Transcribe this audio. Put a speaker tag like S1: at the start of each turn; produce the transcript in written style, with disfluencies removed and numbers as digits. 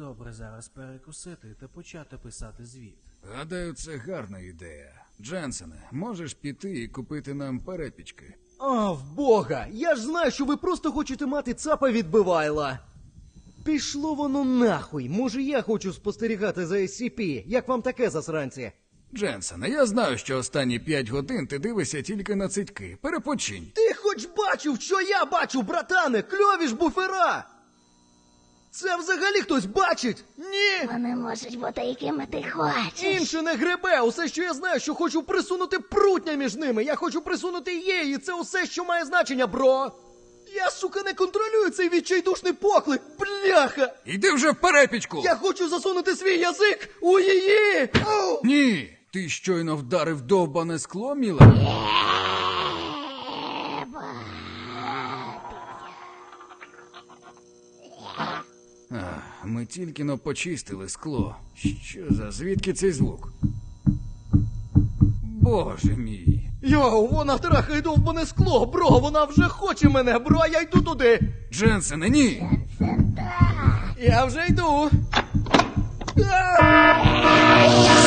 S1: добре зараз перекусити та почати писати звіт.
S2: Гадаю, це гарна ідея. Дженсене, можеш піти і купити нам перепічки?
S3: А, в бога! Я ж знаю, що ви просто хочете мати цапа відбивайла. Пішло воно нахуй. Може, я хочу спостерігати за SCP. Як вам таке, засранці?
S2: Дженсене, я знаю, що останні 5 годин ти дивишся тільки на цитьки. Перепочинь.
S3: Ти хоч бачив, що я бачу, братане? Кльові ж буфера! Це взагалі хтось бачить? Ні!
S4: Вони можуть бути якими ти хочеш.
S3: Інше не гребе. Усе, що я знаю, що хочу присунути прутня між ними. Я хочу присунути її, і це усе, що має значення, бро. Я, сука, не контролюю цей відчайдушний поклик. Бляха!
S2: Іди вже в перепічку!
S3: Я хочу засунути свій язик у її! Ау!
S2: Ні! Ти щойно вдарив довбане скло, міла? Ми тільки но почистили скло. Що за звідки цей звук? Боже мій.
S3: Йоу, вона трахає довбане скло, бро, вона вже хоче мене, бро, я йду туди.
S2: Дженсене, ні!
S3: Я вже йду. А!